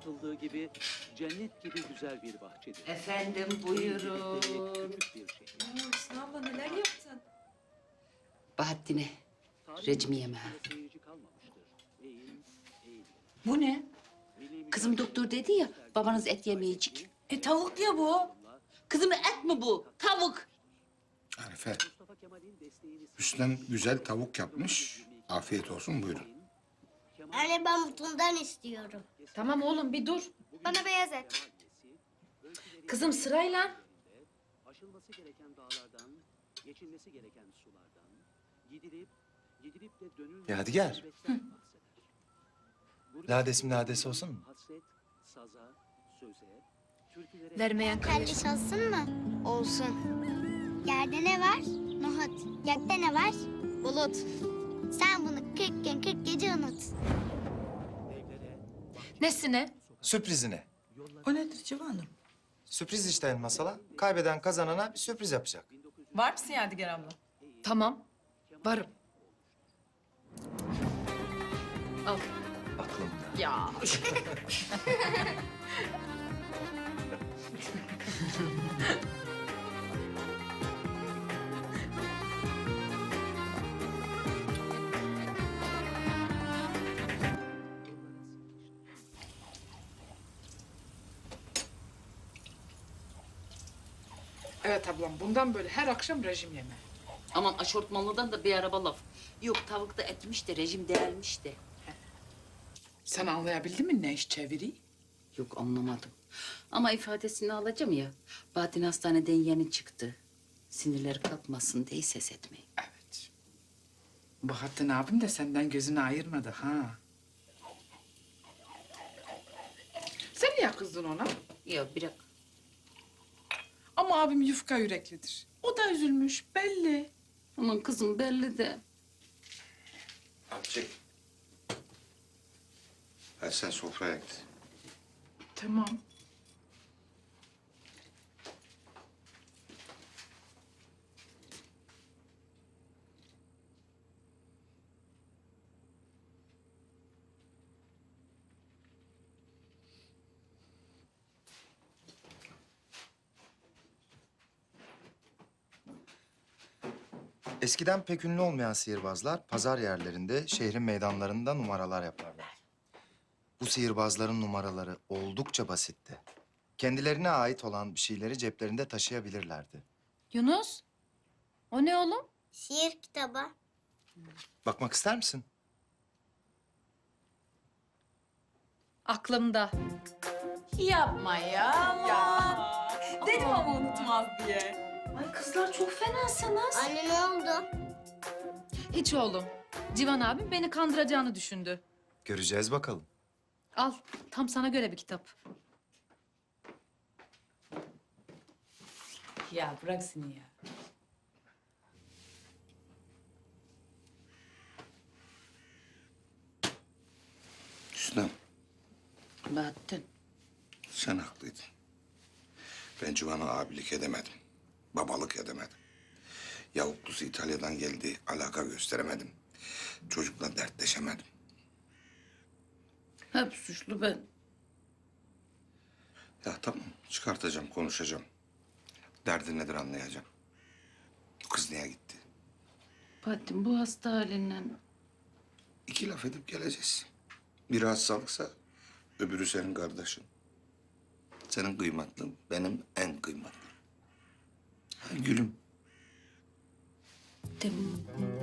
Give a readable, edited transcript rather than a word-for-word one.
anlatıldığı gibi cennet gibi güzel bir bahçedir. Efendim buyurun. Küçük bir şehir. Hüsnü abla neler yaptın? Bahattin'e rejim yemeği. Seyirci kalmamıştır. Eğil, eğil. Bu ne? Kızım doktor dedi ya babanız et yemeyecek. Tavuk ya bu. Kızım et mi bu? Tavuk. Arife, Hüsnem güzel tavuk yapmış. Afiyet olsun, buyurun. Anne ben bundan istiyorum. Tamam oğlum bir dur. Bana beyaz et. Kızım sırayla. Aşılması gereken dağlardan, geçilmesi gereken sulardan, gidilip de dönülmesi Yadigar. bahseder. Lades mi lades olsun mu? Hasret, saza, söze, türkülere... Vermeyen Kelliş olsun mu? Olsun. Yerde ne var? Nohut. Gökte ne var? Bulut. Sen bunu 40 gün 40 gece unut. Nesine? Sürprizine. O nedir Civan'ım? Sürpriz işte Elmas hala. Kaybeden kazanana bir sürpriz yapacak. Var mısın Yadigar abla? Tamam. Varım. Al. Aklımda. Ya. Evet ablam, bundan böyle her akşam rejim yeme. Aman aşortmanlıdan da bir araba laf. Yok tavuk da etmiş de rejim değermiş de. Sen anlayabildin mi ne iş çeviri? Yok anlamadım. Ama ifadesini alacağım ya. Bahattin hastaneden yeni çıktı. Sinirleri kalkmasın diye ses etmeyin. Evet. Bahattin abim de senden gözünü ayırmadı ha. Sen niye kızdın ona? Ya bırak. Ama abim yufka yüreklidir. O da üzülmüş belli. Aman kızım belli de. Çek. Hadi sen sofraya git. Tamam. Eskiden pek ünlü olmayan sihirbazlar pazar yerlerinde, şehrin meydanlarında numaralar yaparlar. Bu sihirbazların numaraları oldukça basitti. Kendilerine ait olan bir şeyleri ceplerinde taşıyabilirlerdi. Yunus. O ne oğlum? Şiir kitabı. Bakmak ister misin? Aklımda. Yapma ya. Dedim ama unutmaz diye. Ay kızlar çok fenasınız. Anne ne oldu? Hiç oğlum. Civan abim beni kandıracağını düşündü. Göreceğiz bakalım. Al. Tam sana göre bir kitap. Ya bırak seni ya. Hüsnem, Bahattin. sen haklıydın. Ben Civan'a abilik edemedim. Babalık edemedim. Yavuklusu İtalya'dan geldi, alaka gösteremedim. Çocukla dertleşemedim. Hep suçlu ben. Ya tamam, çıkartacağım, konuşacağım. Derdi nedir anlayacağım. Bu kız niye gitti? Bahattin bu hasta halinden... 2 laf edip geleceğiz. Biri hastalıksa öbürü senin kardeşin. Senin kıymatlın, benim en kıymatlım. Ha, gülüm. Tamam.